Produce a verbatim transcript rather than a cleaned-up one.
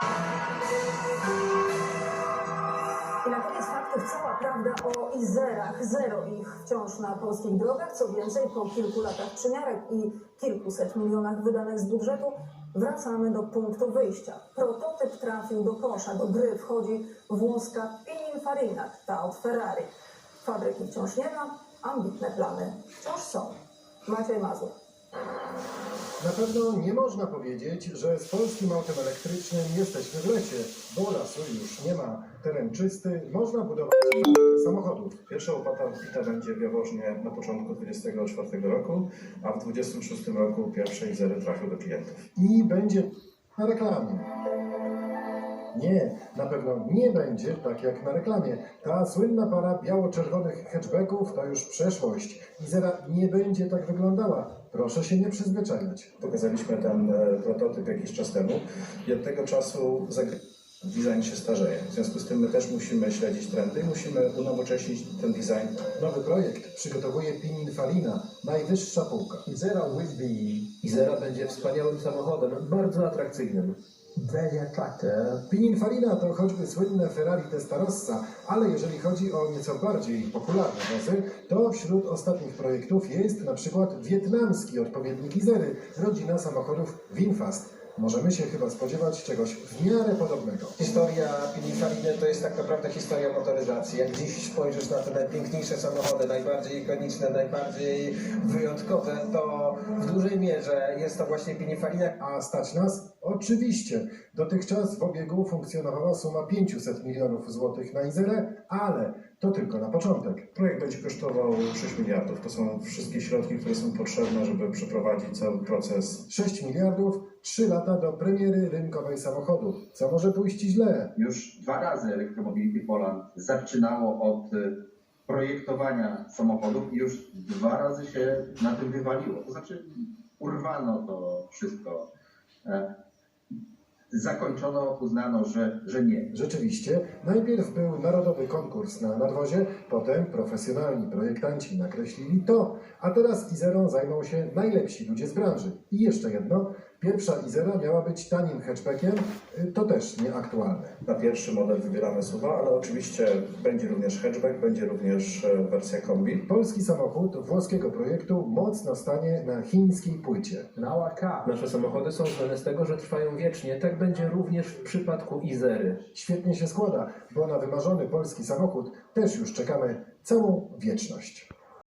I na koniec faktów cała prawda o Izerach. Zero ich wciąż na polskich drogach. Co więcej, po kilku latach przymiarek i kilkuset milionach wydanych z budżetu wracamy do punktu wyjścia. Prototyp trafił do kosza. Do gry wchodzi włoska Pininfarina, ta od Ferrari. Fabryki wciąż nie ma, ambitne plany wciąż są. Maciej Mazur. Na pewno nie można powiedzieć, że z polskim autem elektrycznym jesteśmy w lecie, bo lasu już nie ma. Teren czysty, można budować samochodów. Pierwsza opłata odbita będzie w Jaworznie na początku dwudziestego czwartego roku, a w dwudziestym szóstym roku pierwsze Izery trafią do klientów. I będzie na reklamie. Nie, na pewno nie będzie tak jak na reklamie. Ta słynna para biało-czerwonych hatchbacków to już przeszłość. Izera nie będzie tak wyglądała. Proszę się nie przyzwyczajać. Pokazaliśmy ten e, prototyp jakiś czas temu i od tego czasu design się starzeje. W związku z tym my też musimy śledzić trendy i musimy unowocześnić ten design. Nowy projekt przygotowuje Pininfarina, najwyższa półka. Izera will be Izera będzie wspaniałym samochodem, bardzo atrakcyjnym. very attractive. Pininfarina to choćby słynne Ferrari Testarossa, ale jeżeli chodzi o nieco bardziej popularne wozy, to wśród ostatnich projektów jest na przykład wietnamski odpowiednik Izery, rodzina samochodów Winfast. Możemy się chyba spodziewać czegoś w miarę podobnego. Historia Pininfariny to jest tak naprawdę historia motoryzacji. Jak dziś spojrzysz na te najpiękniejsze samochody, najbardziej ikoniczne, najbardziej wyjątkowe, to w dużej mierze jest to właśnie Pininfarina. A stać nas? Oczywiście. Dotychczas w obiegu funkcjonowała suma pięćset milionów złotych na Izerę, ale to tylko na początek. Projekt będzie kosztował sześć miliardów. To są wszystkie środki, które są potrzebne, żeby przeprowadzić cały proces. sześć miliardów, trzy lata do premiery rynkowej samochodu. Co może pójść źle? Już dwa razy Electromobility Poland zaczynało od y, projektowania samochodów i już dwa razy się na tym wywaliło. To znaczy urwano to wszystko. E, Zakończono, uznano, że, że nie. Rzeczywiście, najpierw był narodowy konkurs na nadwozie, potem profesjonalni projektanci nakreślili to, a teraz Izerą zajmą się najlepsi ludzie z branży. I jeszcze jedno, pierwsza Izera miała być tanim hatchbackiem, to też nieaktualne. Na pierwszy model wybieramy suwa, ale oczywiście będzie również hatchback, będzie również e, wersja kombi. Polski samochód włoskiego projektu mocno stanie na chińskiej płycie. Now our car. Nasze samochody są znane z tego, że trwają wiecznie. Tak będzie również w przypadku Izery. Świetnie się składa, bo na wymarzony polski samochód też już czekamy całą wieczność.